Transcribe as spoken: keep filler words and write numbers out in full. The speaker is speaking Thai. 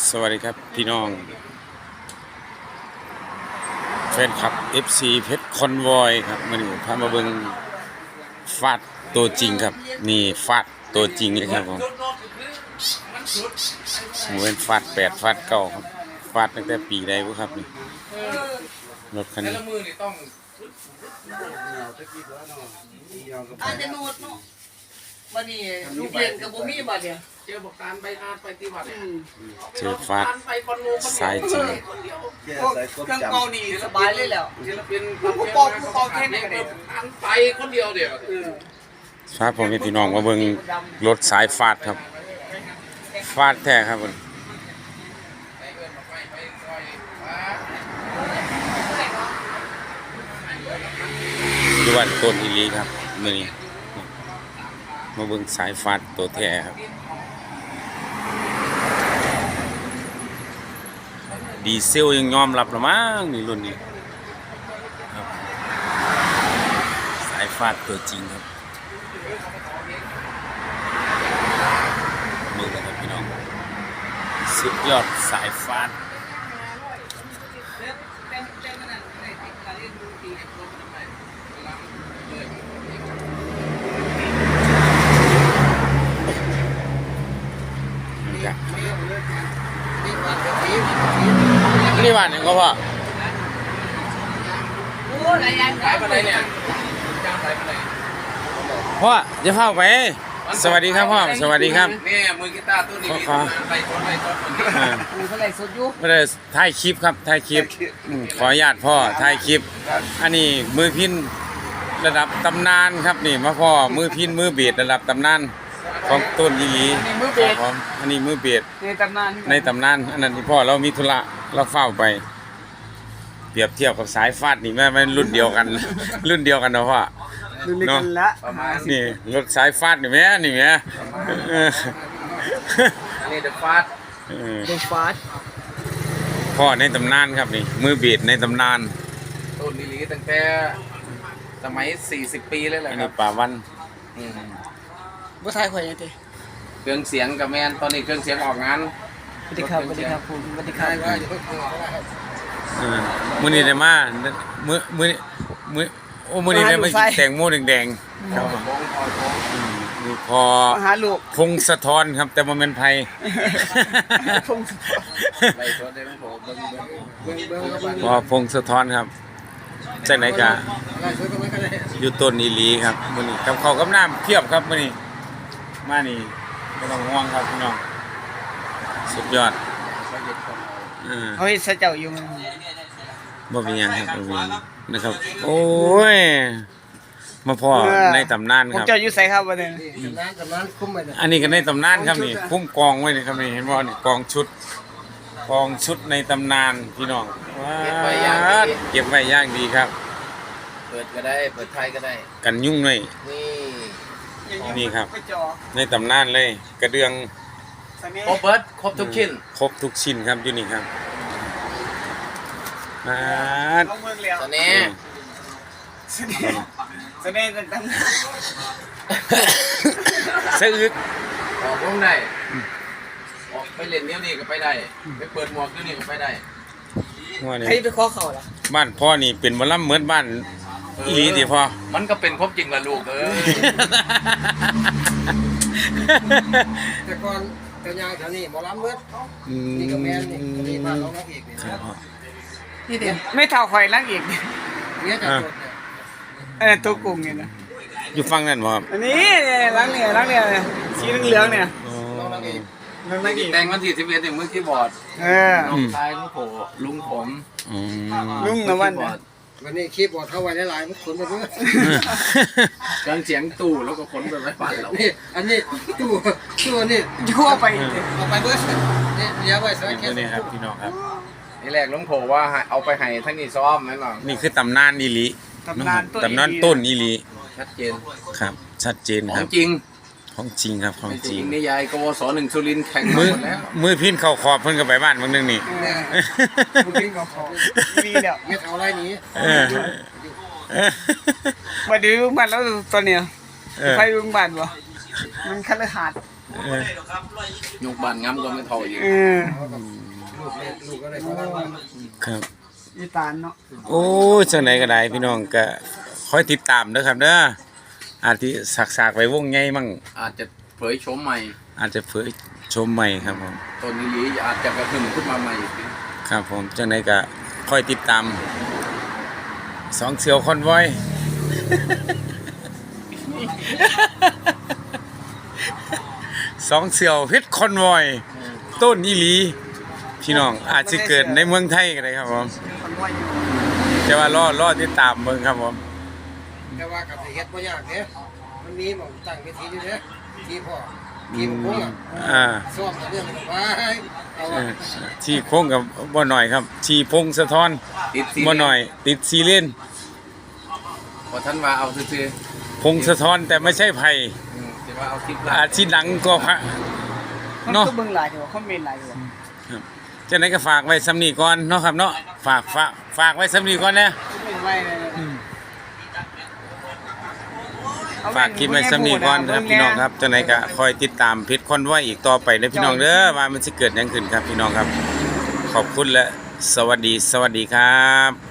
สวัสดีครับพี่น้องแฟนคลับ เอฟ ซี เพชรคอนวอยครับมันพามาเบิ่งฟาดตัวจริงครับนี่ฟาดตัวจริงเลยครับผมหมูเป็นฟาดแปดฟาดเก้าครับฟาดตั้งแต่ปีใดวะครับนี่รถคันนี้อาจจะโนดเนาะวันนี้ลูกเรียนกับบ่มีบัดเนี่ยเจอบอกการไปอาไปตีบัตรเนี่ยเจอฟาดสายจริงพวกเครื่องเป่านี่สบายเลยแล้วศิลปินผู้ปอกผู้ปอกแค่นี้ก็ได้อันไปคนเดียวเดียวฟาดผมเป็นพี่น้องมาเบิ่งรถสายฟาดครับฟาดแท้ครับผมอยู่บ้านต้นอีหลีครับมื้อนี้มาเบิ่งสายฟาดตัวแท้ครับดีเซลยังยอมรับละมั้งนี่รุ่นนี้ครับสายฟาดตัวจริงครับมือกันครับพี่น้องสุดยอดสายฟาดนี่บ้านยังก็พ่อโอ้หลายอย่างสายไปไหนเนี่ยจ้างสายไปไหนพ่อจะเข้าไปสวัสดีครับพ่อสวัสดีครับนี่มือกีตาร์ตัวนี้ไปชนไปชนมีเท่าไหร่สดอยู่ไม่ได้ถ่ายคลิปครับถ่ายคลิปอืมขออนุญาตพ่อถ่ายคลิป อันนี้มือพินระดับตำนานครับนี่มาพ่อมือพินมือเบียดระดับตำนานของต้นยีหลีครับผมอันนี้มือเบียดในตำนานในตำนานอันนั้นที่พ่อเรามีธุระเราเฝ้าไป เปรียบเทียบกับสายฟาดนี่แม่ไม่รุ่นเดียวกัน รุ่นเดียวกันนะพ่อดูนี่กันละประมาณนี่รถสายฟาดนี่แม่นี่แม่เอออันนี้เดอะฟาสเออดูฟาสพ่อในตำนานครับนี่มือเบียดในตำนานต้นลิลีตั้งแต่สมัยสี่สิบปีเลยแหละอันครันี้บป่าวันบ่ทายข่อยยังติเครื่องเสียงกับแมนตอนนี้เครื่องเสียงออกงานสวัสดีครับสวัสดีครับผมสวัสดีครับเออมื้อนี้ได้มามื้อมื้อนี้มื้อโอ้มื้อนี้ได้มากินแตงโมแดงๆครับผมอืมนี่พอมาหาลูกพงศธรครับ แต่บ่แม่นไผพงศธรไล่ตัวได้ทั้งผมเบิ้งเบิ้งเบิ้งเบิ้งกับพอพงศธรครับจังได๋ก็ไล่ตัวก็ไม่ก็ได้อยู่ต้นอีหลีครับมื้อนี้กับข้าวกับน้ำเพียบครับมื้อนี้มานี่บ่ต้องห่วงครับพี่น้องสุดยอดเออเฮ้ยซะเจ้าอยู่มันบ่เป็นหยังครับบ่เป็นหยังนะครับ โอ้ย มาพ่อในตำนานผมครับเจ้าอยู่ไสครับวันนี้น้ำกับน้ำคุ้มไปเลยอันนี้ก็ในตำนานครับนี่คุ้มกองไว้นี่ครับนี่เห็นบ่นี่กองชุดกองชุดในตำนานพี่น้องว้าวเก็บไว้อย่างดีครับเปิดก็ได้เปิดไทยก็ได้กันยุ่งเลยนี่นี่ครับไปจอในตำนานเลย กระเดืองสนิครบเบิร์ดครบทุกชิ้นครบทุกชิ้นครับอยู่นี่ครับมาดเอาเมืองแล้วตอนนี้สนิสนิตั้งสะอึกออกวงได้ออกไปเล่นเนี้ยนี่ก็ไปได้ไปเปิดหมวกเนี้ยนี่ก็ไปได้หัวนี่ใครไปขอเขาล่ะบ้านพ่อนี่เป็นหมอลำเหมือนบ้านอีหลีติพ่อมันก็เป็นครบจริงละลูกเอ้ยแต่ก่อนแต่ยางแถวนี้หมอลำเบิดอืมนี่ก็แม่นนี่ก็นี่บ้านน้องนักเอกนี่ครับพ่อนี่เดี๋ยวไม่เท่าข่อยนักอีกเมียจากโดดเนี่ยเออตัวกุ้งนี่นะอยู่ฟังนั่นบ่ครับอันนี้เนี่ยล้างเนี่ยล้างเนี่ยสีเหลืองๆเนี่ยอ๋อน้องนักเอกล้างนักอีกแต่งวันที่สิบเอ็ดถึงมือคีย์บอร์ดเออน้องชายลุงโผลุงผมอืมลุงนะวันคีย์บอร์ดวันนี้คีย์บอร์ดเข้าไว้หลายๆมันขนไปเรื่อยเครื่องเสียงตู้แล้วก็ขนไปไว้บ้านเรานี่อันนี้ตู้ตู้นี่ยั่วไปเอาไปเบิดนี่เดี๋ยวไว้ใส่แค่ตัวนี้ครับพี่น้องครับนี่แรกลุงโผว่าให้เอาไปให้ทั้งนี้ซ้อมแม่นบ่นี่คือตำนานอีหลีตำนานต้นตำนานต้นอีหลีชัดเจนครับ ชัดเจนขคอรังบจริงของจริงครับของไม่จจริริงงนิยายกวสหนึ่งสุรินทร์แข่งมามือหมดแล้วมือพินเข้าขอบเพิ่นก็ไปบ้านบางนึงนี่เนี่ยมึงกินของเขาดีแล้วเม็ดเอาอะไรนี้เออเออมาดูบ้านแล้วตอนเนี้ยเออใครดูบ้านบ่มันคันเลยหาดเเออยกบานงำก็ไม่เท่าอีกเออลูกเล็กลูกก็เลยเขาทำว่าครับอีตานเนาะโอ้ยจังไหนก็ได้พี่น้องก็คอยติดตามเด้อครับเด้ออาจสิสักๆไว้วงใหญ่มั่งอาจจะเผยโฉมใหม่อาจจะเผยชมใหม่ครับผมต้นนี้อาจจะกระหึ่มขึ้นมาใหม่ครับผมจังไหนก็คอยติดตามสองเสี่ยวคอนวอย สองเสี่ยวเพชรคอนวอยต้นอีหลีพี่น้องอาจจะเกิดในเมืองไทยก็ได้ครับผมคนว่าอยู่แต่ว่ารอรอติดตามเบิ่งครับผมแต่ว่ากับเฮ็ดบ่ยากเด้มันมีหม่องตั้งเวทีอยู่เด้ที่พ่อที่มันคงอ่ะอ่าซ้อมเรื่องมันไว้เอาเอว่าอที่โค้งกับบ่หน่อยครับชีพงสะท้อนติดซีบ่หน่อย ติดซีเลนพอท่านว่าเอาซื่อพงสะท้อนแต่ไม่ใช่ไผ่ๆอืมแต่ว่าเอาคลิปอาชีดังก็พระคนเนาะก็เบิ่งหลายอยู่คอมเมนต์หลายอยู่จังไหนก็ฝากไว้สำนีก่อนเนาะครับเนาะฝากฝากฝากไว้สำนีก่อนนะคอมเมนต์ไว้เลยเอฝากคลิปไว้สำนีก่อนครับพี่น้องครับจังไหนก็คอยติดตามเพจคอนไว้อีกต่อไปนะพี่น้องเด้อว่ามันสิเกิดหยังขึ้นครับพี่น้องครับ ขอบคุณและสวัสดีสวัสดีครับ